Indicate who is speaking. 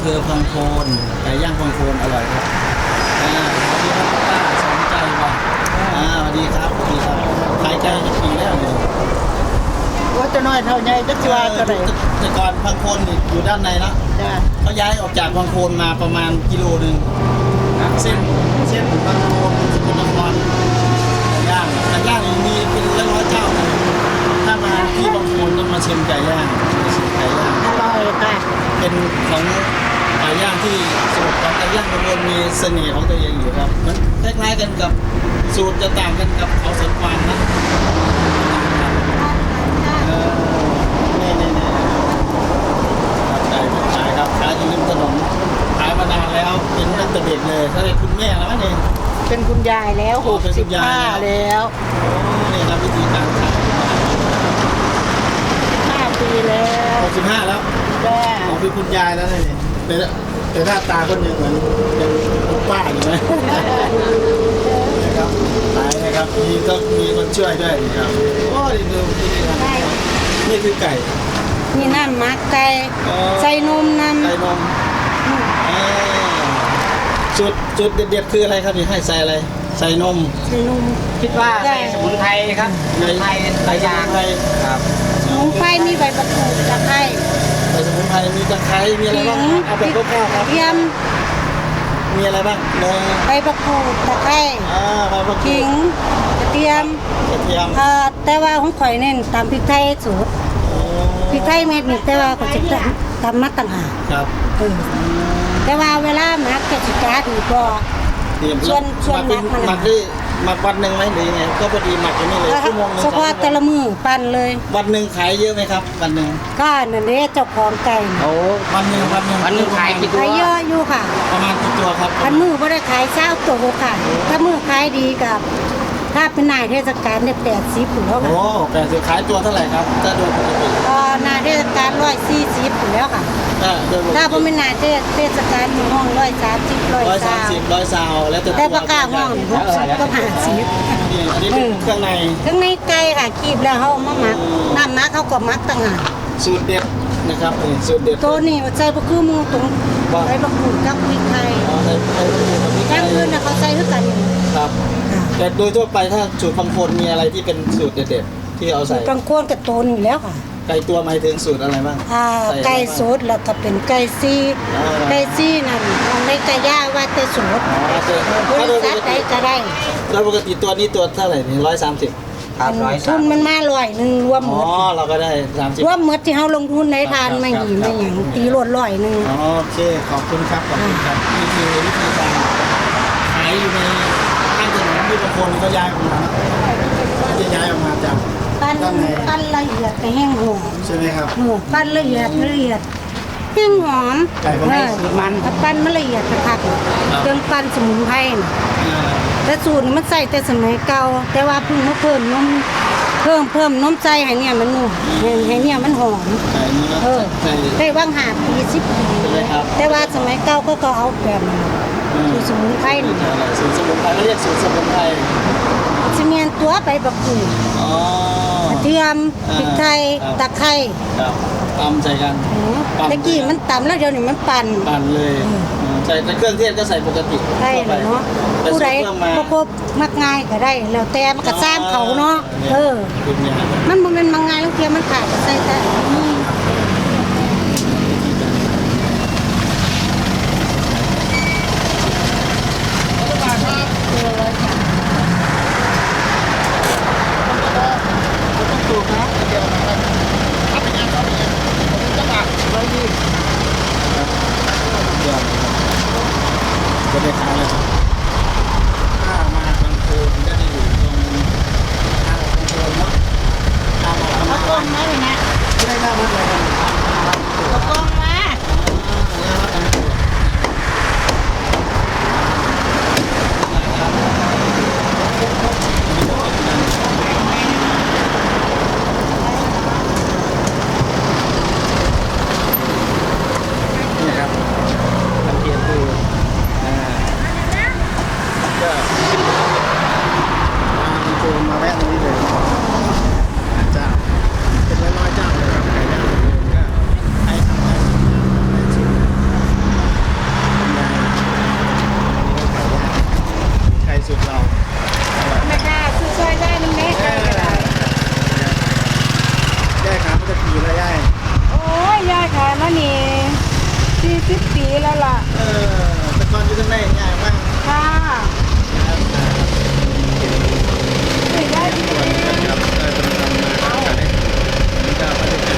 Speaker 1: ำเภอพังโคนไก่ย่างพังโคนอร่อยครับสวัสดีครับป้าสนใจว่ะสวัสดีครับสวัสดีครับขายไก่จะปีแล้วเนี่ย
Speaker 2: ว่าจะน้อยเท่าไงจะชัวร์ก็ได้
Speaker 1: แต่ก่อนพังโคนนี่อยู่ด้านในแล้ว
Speaker 2: จ้า
Speaker 1: เขาย้ายออกจากพังโคนมาประมาณกิโลนึงเส้นพังโคนสกลนครไก่ย่างนี่มีเป็นร้อยๆเจ้าเลยถ้ามาที่พังโคนต้องมาชิมไก่ย่างไก่ย่าง
Speaker 2: อร่อยค่ะ
Speaker 1: เป็นของไก่ย่างที่สูตรของไก่ย่างพังโคนมีเสน่ห์ของตัวเองอยู่ครับมันคล้ายๆกันกับสูตรจะต่างกันกับเขาสวนกวางนะนี่ขายครับขายอยู่ริมถนนขายมานานแล้วเป็นตั้งแต่เด็กเลยถ้าได้คุณแม่แล้วนี่
Speaker 2: เป็นคุณยายแล้ว
Speaker 1: อ๋อเป็นคุณยาย
Speaker 2: 65แล้ว
Speaker 1: นี่ครับวิธีการขาย
Speaker 2: 5 ปีแล้ว
Speaker 1: 65แล้ว
Speaker 2: จ้า
Speaker 1: ของพี่คุณยายแล้วนี่แต่หน้าตาคนหนึ่งเหมือนเป็นคุณป้าอยู่ไหมนะครับขายนะครับมีคนช่วยด้วยนี่ครับโอ้ดีดูที่นี่ครับนี่คือไก่
Speaker 2: มีน้ำมักไก่ใส่นมน้ำ
Speaker 1: ไก่นมจุดเด็ดๆคืออะไรครับนี่ให้ใส่อะไรใส่นม
Speaker 2: ใส่นม
Speaker 3: คิดว่าใส่สมุนไพรครับสมุนไพรหลายอย่าง
Speaker 1: ไทย
Speaker 3: ครับ
Speaker 2: สมุนไพรมีใบประกรูดตะไคร้
Speaker 1: ใส่สมุนไพรมีตะไคร้มีอะไรบ้างเอาเป็นคร่าวๆครับ
Speaker 2: เทียม
Speaker 1: มีอะไรบ้างนม
Speaker 2: ใบประกรูดตะไคร้
Speaker 1: ใบมะกรู
Speaker 2: ขิ
Speaker 1: ด
Speaker 2: งกระเทียม
Speaker 1: กระเทียม
Speaker 2: แต่ว่าของข่อยเน้นตำพริกไทยสูตรพริกไทยเม็ดนี่แต่ว่าก็จะตำมาต่างหาก
Speaker 1: ครับ
Speaker 2: แต่ว่าเวลามักจะสิกาดีกว่า ส่วนหมักมัน
Speaker 1: หมักได้หมักวันหนึ่งไหมหรือยังไงก็พอดีหมักอย่างนี้เลยชั่วโมงนึง
Speaker 2: เฉพาะแต่ละมือปั้นเลย
Speaker 1: วันหนึ่งขายเยอะไหมครับวันหนึ่ง
Speaker 2: ก็นั่นเด้เจ้าของไก่น่ะ
Speaker 1: โอ้วันหนึ่ง
Speaker 3: วันหนึ่งขายกี่
Speaker 2: ขายเยอะอยู่ค่ะ
Speaker 1: ประมาณกี่ตัวครับ
Speaker 2: อันมือบ่ได้ขายเจ้าตัวค่ะ ถ้ามือขายดีกับ ถ้าเป็นนายเทศกาลได้80อยู่แล้วค่ะ
Speaker 1: โอ้แต่จะขายตัวเท่าไหร่ครับถ้าโดยปกติ
Speaker 2: นายเทศกาล140อยู่แล้วค่ะ
Speaker 1: โดยปก
Speaker 2: ถ้า
Speaker 1: ติ
Speaker 2: บ่เป็นนายเทศกาลห้อง130
Speaker 1: 130 100ซาวแล้วแต่
Speaker 2: แต่ปากกาห้อง60ก็50
Speaker 1: นี่อันนี้เป็นเครื่องใน
Speaker 2: ทั้งในไก่ค่ะคีบแล้วเขามาหมักน้ำมักเขาก็มักต่างหาก
Speaker 1: สูตรเด็ดนะครับนี่สูตรเด็ด
Speaker 2: ตัวนี้ใส่บะคือหมูตรงใส่บะกรูดกับพริกไทย
Speaker 1: ใส่แบบนี้
Speaker 2: แก้มอื่นนะเขาใส่ด้วยกัน
Speaker 1: ครับแต่โดยทั่วไปถ้าสูตรบางคนมีอะไรที่เป็นสูตรเด็ดๆที่เอาใส่
Speaker 2: กลางโคนกับตัวนี้แล้วค่ะ
Speaker 1: ไก่ตัวหมายถึงสูตรอะไรบ้าง
Speaker 2: ไก่สดแล้วก็เป็นไก่ซีไก่ซีนั่นของในไก่ย่างว่าแต่สด
Speaker 1: อ๋อเจอบ
Speaker 2: ริษัทใดก็ได้
Speaker 1: โดยปกติตัวนี้ตัวเท่าไหร่นี่130
Speaker 3: ครับร้อย
Speaker 2: ทุ
Speaker 3: สาม
Speaker 2: นมันมา100รวมหม
Speaker 1: อ๋อ
Speaker 2: ด
Speaker 1: เราก็ได้30
Speaker 2: รวมหมดที่เฮาลงทุนในทานไม่หีไม่หยังตีรวด100
Speaker 1: อ๋อโอเคขอบคุณครับขอบคุณครับนี่คือวิธีการขายอยู่ในข้างถนนที่บางคนก็ย้ายออกมาจะย้ายออกมาจาก
Speaker 2: ปั้นละเอียดไปแห้งหอม
Speaker 1: ใช่ไหมครับ
Speaker 2: ปั้นละเอียดแห้งหอม
Speaker 1: ไก่ของแม่สูตรมัน
Speaker 2: ถ้าปั้นมันละเอียดกระทักเครื่องปั้นสมุนไพรน่ะ
Speaker 1: อ่า
Speaker 2: แต่สูตรนี่มันใส่แต่สมัยเก่าแต่ว่าเพิ่งมาเพิ่มนมเพิ่มนมใส่ให้เนี่ยมันนุ่มให้เนี่ยมันหอม
Speaker 1: ไก่นี้
Speaker 2: เออ
Speaker 1: ใส่
Speaker 2: ได้ว่าง5 ปี10 ปี
Speaker 1: ใช่ไหมครับ
Speaker 2: แต่ว่าสมัยเก่าก็เอาแบบสูตรสมุนไพรนี่
Speaker 1: สูตรสมุนไพรเขาเรียกสูตรสมุนไพร
Speaker 2: สิเมียนตัวไปบักกูด
Speaker 1: อ๋อก
Speaker 2: ระเทียมพริกไทยตะไคร้
Speaker 1: ครับตำใส่กัน
Speaker 2: ตะกี้มันตำแล้วเดี๋ยวนี้มันปั่น
Speaker 1: ปั่นเลยใส่แต่เครื่องเทศก็ใส่ปกติ
Speaker 2: ใช่เลยเนาะ
Speaker 1: แต่
Speaker 2: ผู้
Speaker 1: ใส่
Speaker 2: ใด
Speaker 1: เครื่องมา
Speaker 2: บ่ครบมักง่ายก็ได้ แล้วแต่มันก็ซ้ำเขาเนาะ
Speaker 1: คือเนี่ย
Speaker 2: มันบ่แม่นมักง่ายแล้วเทียมันขาดก็ใส่แต่ถูกไหม
Speaker 1: จะได้ขายเลยถ้ามาบางคืนก็จะอยู่ตรงทางบางคืนเนาะทางมา
Speaker 2: เขาต้มได้เลยนะ
Speaker 1: ได้
Speaker 2: 20 ปีแล้วล่ะ
Speaker 1: แต่ก่อนอยู่ข้างในง่ายมาก
Speaker 2: ค่ะได้ดี
Speaker 1: ครับได้ประจำมาครับก็บรรยาก